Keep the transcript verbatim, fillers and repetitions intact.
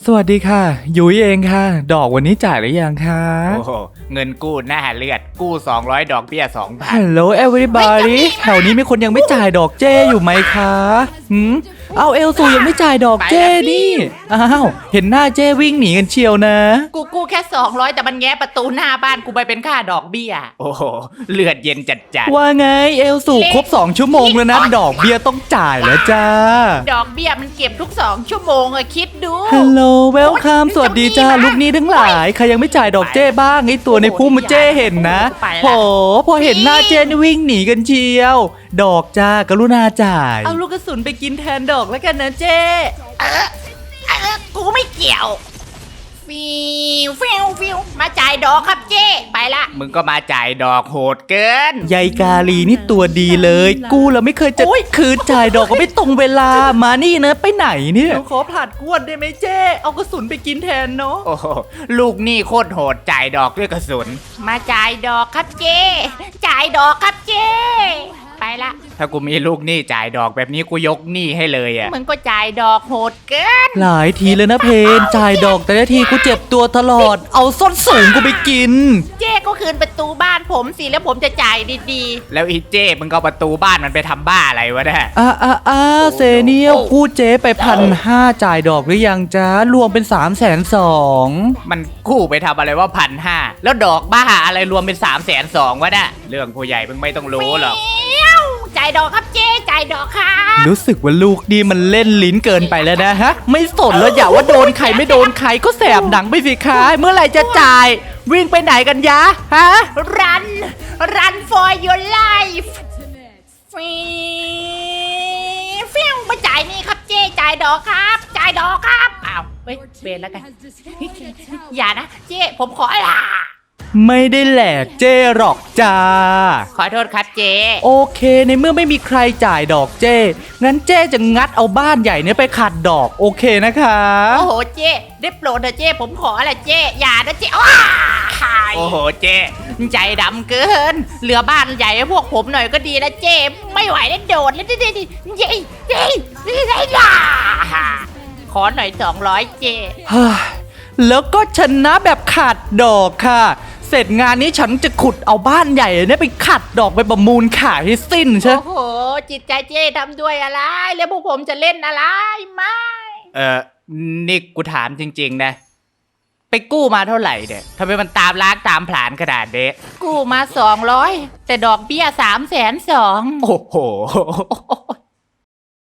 สวัสดีค่ะยุ้ยเองค่ะดอกวันนี้จ่ายหรือยังคะโอ้โหเงินกู้หน้าเลือดกู้สองร้อยดอกเบี้ยสองพัน Hello everybody แถวนี้มีคนยังไม่จ่ายดอกเจ้อยู่ไหมคะหืมเอาเอลซูยังไม่จ่ายดอกเจ้นี่อ้าวเห็นหน้าเจ้วิ่งหนีกันเชียวนะกูกู้แค่สองร้อยแต่มันแง้ประตูหน้าบ้านกูไปเป็นค่าดอกเบี้ยโอ้โหเลือดเย็นจัดจัดว่าไงเอลซูครบสองชั่วโมงแล้วนะดอกเบี้ยต้องจ่ายแล้วจ้าดอกเบี้ยมันเก็บทุกสองชั่วโมงอะคิดดู Hello welcome สวัสดีจ้าลูกนี้ทั้งหลายใครยังไม่จ่ายดอกเจ้บ้างไอตัวในพุ่มเจ้เห็นนะโหพอเห็นหน้าเจ้นี่วิ่งหนีกันเชียวดอกจ้ากรุณาจ่ายเอาลูกกระสุนไปกินแทนดอกแล้วกันนะเจ้เออเออกูไม่เกี่ยวฟิวฟิวฟิวมาจ่ายดอกครับเจ้ไปละมึงก็มาจ่ายดอกโหดเกินยายกาลีนี่ตัวดีเลยกูเราไม่เคยจะคืนจ่ายดอกก็ไม่ตรงเวลามานี่นะไปไหนเนี่ยหนูขอผลัดกวนได้ไหมเจ้เอากระสุนไปกินแทนเนาะโอ้โหลูกนี่โคตรโหดจ่ายดอกด้วยกระสุนมาจ่ายดอกครับเจ้จ่ายดอกครับเจ้ไปละถ้ากูมีลูกหนี้จ่ายดอกแบบนี้กูยกหนี้ให้เลยอ่ะมึงก็จ่ายดอกโหดเกินหลายทีเลยนะเพนจ่ายดอกแต่ละทีกูเจ็บตัวตลอดเอาส้นสูงกูไปกินเจ้ก็คืนประตูบ้านผมสิแล้วผมจะจ่ายดีๆแล้วอีเจ้มึงก็ประตูบ้านมันไปทำบ้าอะไรวะเนี่ยอ่าอ่าอ่าเซเนียลกู้เจ๊ไปพันห้าจ่ายดอกหรือยังจ้ารวมเป็นสามแสนสองมันกู้ไปทำอะไรว่าพันห้าแล้วดอกบ้าอะไรรวมเป็นสามแสนสองวะเนี่ยเรื่องผู้ใหญ่มึงไม่ต้องรู้หรอกจ่ายดอกครับเจ๊จ่ายดอกค่ะรู้สึกว่าลูกดีมันเล่นลิ้นเกินไปแล้วนะฮะไม่สนแล้วอย่าว่าโดนใครไม่โดนใครก็แสบหนังไปสิคะเมื่อไหร่จะจ่ายวิ่งไปไหนกันยะฮะ run run for your life ฟิวฟิวมาจ่ายนี่ครับเจ๊จ่ายดอกครับจ่ายดอกครับอ้าวเฮ้ยเบนแล้วกันอย่านะเจ๊ผมขอละไม่ได้แหลกเจ้หรอกจ้าขอโทษครับเจ๊โอเคในเมื่อไม่มีใครจ่ายดอกเจ้งั้นเจ้จะงัดเอาบ้านใหญ่เนี่ยไปขัดดอกโอเคนะคะโอ้โหเจ๊ได้โปรดนะเจ๊ผมขออะไรเจ๊อย่านะเจ๊โอ้โหเจ๊ใจดำเกินเหลือบ้านใหญ่ให้พวกผมหน่อยก็ดีนะเจ๊ไม่ไหวแล้วโดดแล้วดิดิดิเย้เย้เย้ย่าขอหน่อยสองร้อยเจ๊แล้วก็ชนะแบบขาดดอกค่ะเสร็จงานนี้ฉันจะขุดเอาบ้านใหญ่เนี่ยไปขัดดอกไปประมูลขายให้สิ้นใช่โอ้โหจิตใจเจ๊ทำด้วยอะไรแล้วพวกผมจะเล่นอะไรไม่เออนี่กูถามจริงๆนะไปกู้มาเท่าไหร่เนี่ยทำไมมันตามล้างตามผลาญขนาดเด็กกู้มาสองร้อยแต่ดอกเบี้ยสามแสนสองโอ้โห